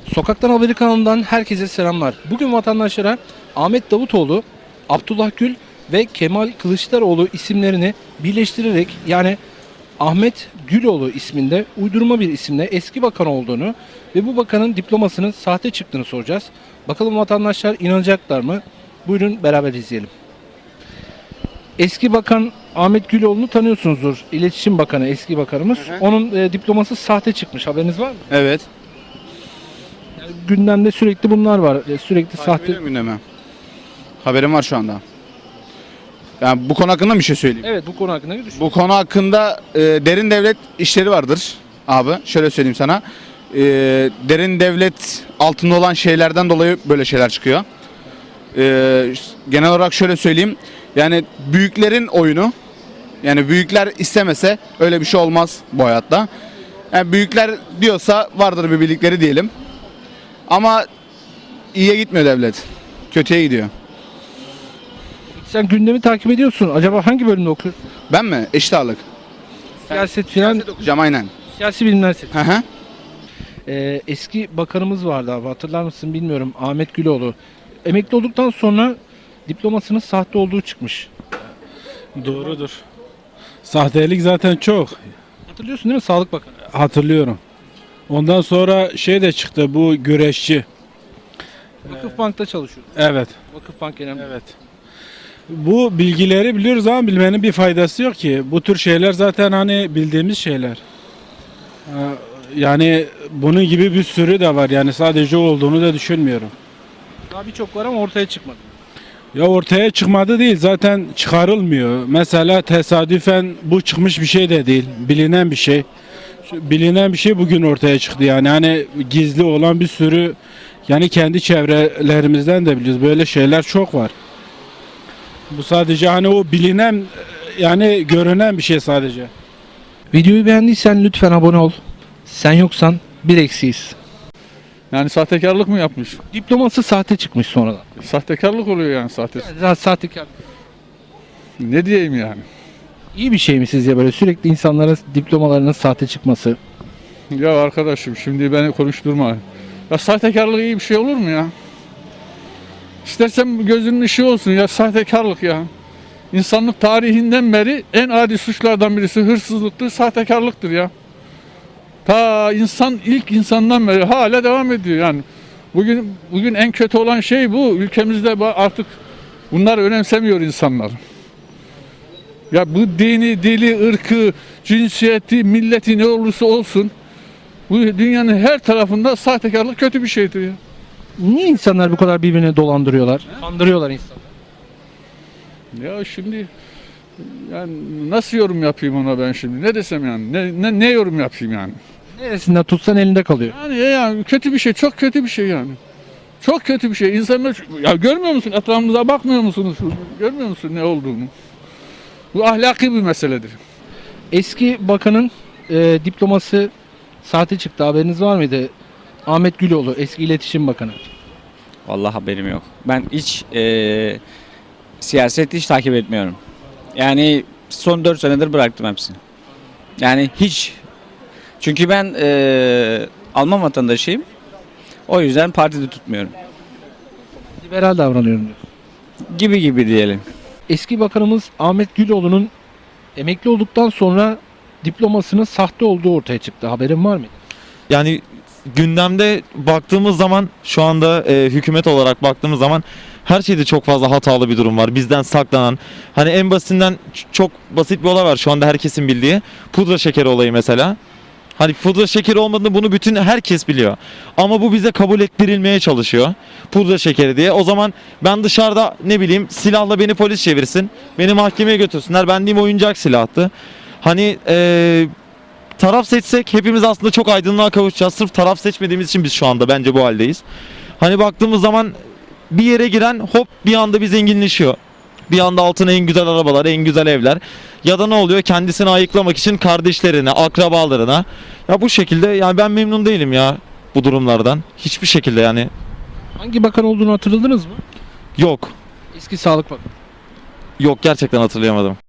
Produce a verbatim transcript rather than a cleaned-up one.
Sokaktan Haberi kanalından herkese selamlar. Bugün vatandaşlara Ahmet Davutoğlu, Abdullah Gül ve Kemal Kılıçdaroğlu isimlerini birleştirerek, yani Ahmet Güloğlu isminde uydurma bir isimle eski bakan olduğunu ve bu bakanın diplomasının sahte çıktığını soracağız. Bakalım vatandaşlar inanacaklar mı? Buyurun beraber izleyelim. Eski bakan Ahmet Güloğlu'nu tanıyorsunuzdur. İletişim Bakanı, eski bakanımız. Hı hı. Onun e, diploması sahte çıkmış. Haberiniz var mı? Evet. Yani gündemde sürekli bunlar var. E, sürekli Takip sahte. ediyorum gündemi. Haberim var şu anda. Yani bu konu hakkında bir şey söyleyeyim. Evet, bu konu hakkında ne düşünüyorsun? Bu konu hakkında e, derin devlet işleri vardır abi. Şöyle söyleyeyim sana. E, derin devlet altında olan şeylerden dolayı böyle şeyler çıkıyor. E, genel olarak şöyle söyleyeyim. Yani büyüklerin oyunu. Yani büyükler istemese öyle bir şey olmaz bu hayatta. Yani büyükler diyorsa vardır bir bildikleri diyelim. Ama iyiye gitmiyor devlet. Kötüye gidiyor. Sen gündemi takip ediyorsun. Acaba hangi bölümde okuyorsun? Ben mi? Eşit ağırlık. Siyaset filan. Siyaset okuyacağım aynen. Siyasi bilimler seçiyorum. Hı hı. Ee, eski bakanımız vardı abi, hatırlar mısın bilmiyorum, Ahmet Güloğlu. Emekli olduktan sonra diplomasının sahte olduğu çıkmış. Doğrudur. Sahtelik zaten çok. Hatırlıyorsun değil mi, Sağlık Bakanı? Hatırlıyorum. Ondan sonra şey de çıktı, bu güreşçi. Vakıfbank'ta çalışıyor. Evet. Vakıfbank Genel Müdürü. Evet. Bu bilgileri biliyoruz ama bilmenin bir faydası yok ki. Bu tür şeyler zaten hani bildiğimiz şeyler. Ha, Yani bunun gibi bir sürü de var. Yani sadece o olduğunu da düşünmüyorum. Daha birçok var ama ortaya çıkmadı. Ya ortaya çıkmadı değil, zaten çıkarılmıyor. Mesela tesadüfen bu çıkmış bir şey de değil. Bilinen bir şey. Şu bilinen bir şey bugün ortaya çıktı yani. Hani gizli olan bir sürü, yani kendi çevrelerimizden de biliyoruz. Böyle şeyler çok var. Bu sadece hani o bilinen, yani görünen bir şey sadece. Videoyu beğendiysen lütfen abone ol. Sen yoksan bir eksiyiz. Yani sahtekarlık mı yapmış? Diploması sahte çıkmış sonradan. Sahtekarlık oluyor yani sahte. Yani sahtekar. Ne diyeyim yani? İyi bir şey mi sizce böyle sürekli insanların diplomalarının sahte çıkması? Ya arkadaşım şimdi beni konuşturma. Ya sahtekarlık iyi bir şey olur mu ya? İstersen gözünün ışığı olsun ya, sahtekarlık ya. İnsanlık tarihinden beri en adi suçlardan birisi hırsızlıktır, sahtekarlıktır ya. Ta insan ilk insandan beri hala devam ediyor yani. Bugün bugün en kötü olan şey bu. Ülkemizde artık bunlar önemsemiyor insanlar. Ya bu dini, dili, ırkı, cinsiyeti, milleti ne olursa olsun bu dünyanın her tarafında sahtekarlık kötü bir şeydir ya. Niye insanlar bu kadar birbirini dolandırıyorlar? Kandırıyorlar insanları. Ya şimdi yani nasıl yorum yapayım ona ben şimdi? Ne desem yani? Ne, ne, ne yorum yapayım yani? Neresinden tutsan elinde kalıyor. Yani, yani kötü bir şey, çok kötü bir şey yani. Çok kötü bir şey. İnsanlar ya görmüyor musun? Etrafımıza bakmıyor musunuz? Görmüyor musun ne olduğunu? Bu ahlaki bir meseledir. Eski bakanın e, diploması sahte çıktı. Haberiniz var mıydı? Ahmet Güloğlu, eski İletişim Bakanı. Vallahi haberim yok. Ben hiç eee siyaset hiç takip etmiyorum. Yani son dört senedir bıraktım hepsini. Yani hiç. Çünkü ben eee Alman vatandaşıyım. O yüzden partide tutmuyorum. Liberal davranıyorum diyor. Gibi gibi diyelim. Eski bakanımız Ahmet Güloğlu'nun emekli olduktan sonra diplomasının sahte olduğu ortaya çıktı. Haberin var mıydı? Yani gündemde baktığımız zaman şu anda e, hükümet olarak baktığımız zaman her şeyde çok fazla hatalı bir durum var. Bizden saklanan, hani en basitinden ç- çok basit bir olay var şu anda herkesin bildiği. Pudra şekeri olayı mesela. Hani pudra şekeri olmadığını bunu bütün herkes biliyor. Ama bu bize kabul ettirilmeye çalışıyor. Pudra şekeri diye. O zaman ben dışarıda ne bileyim silahla beni polis çevirsin. Beni mahkemeye götürsünler. Ben diyeyim oyuncak silahtı. Hani eee taraf seçsek hepimiz aslında çok aydınlığa kavuşacağız. Sırf taraf seçmediğimiz için biz şu anda bence bu haldeyiz. Hani baktığımız zaman bir yere giren hop bir anda bir zenginleşiyor. Bir anda altına en güzel arabalar, en güzel evler. Ya da ne oluyor? Kendisini ayıklamak için kardeşlerine, akrabalarına. Ya bu şekilde yani ben memnun değilim ya bu durumlardan. Hiçbir şekilde yani. Hangi bakan olduğunu hatırladınız mı? Yok. Eski Sağlık Bakanı. Yok gerçekten hatırlayamadım.